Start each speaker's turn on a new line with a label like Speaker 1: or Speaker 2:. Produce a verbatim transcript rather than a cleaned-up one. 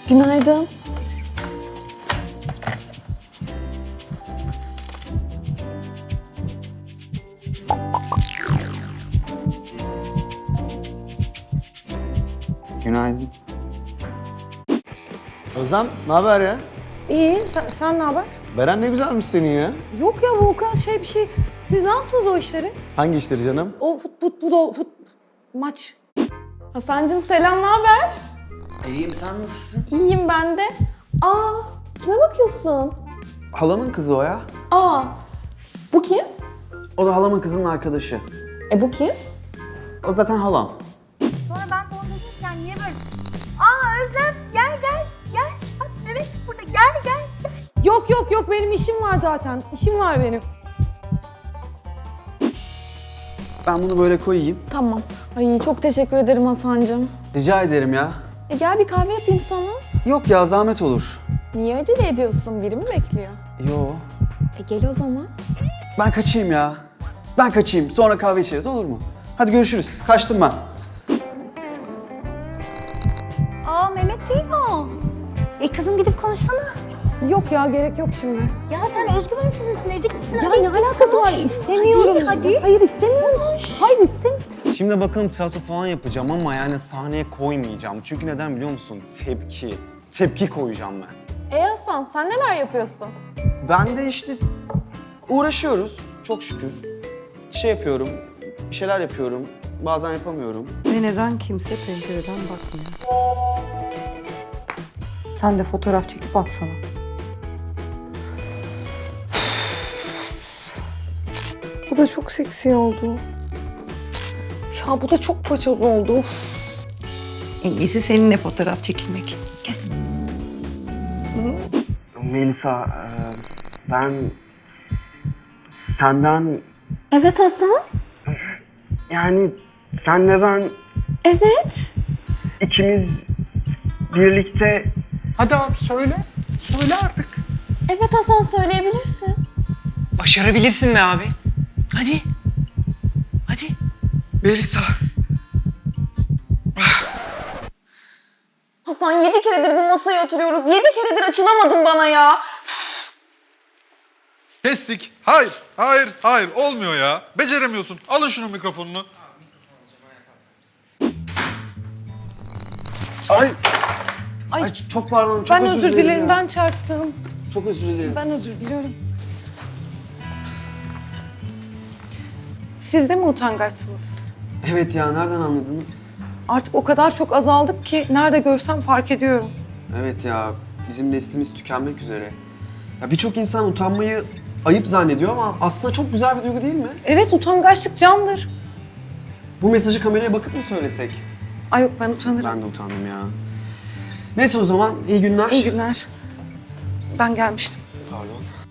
Speaker 1: Günaydın.
Speaker 2: Günaydın. Özlem, ne haber ya?
Speaker 3: İyi, sen, sen ne haber?
Speaker 2: Beren ne güzelmiş senin ya.
Speaker 3: Yok ya Volkan şey bir şey. Siz ne yaptınız o işleri?
Speaker 2: Hangi işleri canım?
Speaker 3: O fut, futbol, fut, maç.
Speaker 1: Hasan'cığım selam, ne haber?
Speaker 4: İyiyim, sen nasılsın?
Speaker 1: İyiyim ben de. Aa, kime bakıyorsun?
Speaker 4: Halamın kızı o ya.
Speaker 1: Aa, bu kim?
Speaker 4: O da halamın kızının arkadaşı.
Speaker 1: E bu kim?
Speaker 4: O zaten halam.
Speaker 5: Sonra ben de orada dururken niye böyle... Aa Özlem gel gel gel. Bak Mehmet burada gel gel gel.
Speaker 3: Yok yok yok benim işim var zaten. İşim var benim.
Speaker 4: Ben bunu böyle koyayım.
Speaker 1: Tamam. Ay çok teşekkür ederim Hasan'cığım.
Speaker 4: Rica ederim ya.
Speaker 1: E gel bir kahve yapayım sana.
Speaker 4: Yok ya, zahmet olur.
Speaker 1: Niye acele ediyorsun? Biri mi bekliyor?
Speaker 4: Yo.
Speaker 1: E gel o zaman.
Speaker 4: Ben kaçayım ya. Ben kaçayım. Sonra kahve içeriz, olur mu? Hadi görüşürüz. Kaçtım ben.
Speaker 5: Aa Mehmet değil mi o? E kızım gidip konuşsana.
Speaker 3: Yok ya gerek yok şimdi.
Speaker 5: Ya sen özgüvensiz misin, ezik misin?
Speaker 3: Ya
Speaker 5: Hadi
Speaker 3: ne
Speaker 5: git
Speaker 3: alakası var?
Speaker 5: konuş.
Speaker 3: İstemiyorum.
Speaker 5: Hadi hadi.
Speaker 3: Hayır istemiyorum. Hayır istemiyorum.
Speaker 6: Şimdi bakalım tiyatro falan yapacağım ama yani sahneye koymayacağım. Çünkü neden biliyor musun? Tepki. Tepki koyacağım ben.
Speaker 1: E Hasan sen neler yapıyorsun?
Speaker 4: Ben de işte uğraşıyoruz çok şükür. Şey yapıyorum, bir şeyler yapıyorum. Bazen yapamıyorum.
Speaker 3: Ve neden kimse pencereden bakmıyor? Sen de fotoğraf çekip atsana. Bu da çok seksi oldu.
Speaker 1: Ya bu da çok paçoz oldu.
Speaker 3: En iyisi seninle fotoğraf çekilmek.
Speaker 4: Melisa, e, ben senden
Speaker 1: Evet Hasan.
Speaker 4: yani senle ben
Speaker 1: Evet.
Speaker 4: ikimiz birlikte
Speaker 6: Hadi abi söyle. Söyle artık.
Speaker 1: Evet Hasan söyleyebilirsin.
Speaker 7: Başarabilirsin be abi. Hadi. Hadi.
Speaker 4: Melisa.
Speaker 1: Hasan yedi keredir bu masaya oturuyoruz. Yedi keredir açılamadın bana ya.
Speaker 8: Kestik. Hayır, hayır, hayır. Olmuyor ya. Beceremiyorsun. Alın şunun mikrofonunu.
Speaker 4: Ay. Ay, çok pardon, çok
Speaker 3: Ben özür dilerim,
Speaker 4: ya.
Speaker 3: ben çarptım.
Speaker 4: Çok özür dilerim.
Speaker 3: Ben özür diliyorum. Siz de mi utangaçsınız?
Speaker 4: Evet ya, nereden anladınız?
Speaker 3: Artık o kadar çok azaldık ki nerede görsem fark ediyorum.
Speaker 4: Evet ya, bizim neslimiz tükenmek üzere. Ya birçok insan utanmayı ayıp zannediyor ama aslında çok güzel bir duygu değil mi?
Speaker 3: Evet, utangaçlık candır.
Speaker 4: Bu mesajı kameraya bakıp mı söylesek?
Speaker 3: Ay yok, ben utanırım.
Speaker 4: Ben de utandım ya. Neyse o zaman, iyi günler.
Speaker 3: İyi günler. Ben gelmiştim.
Speaker 4: Pardon.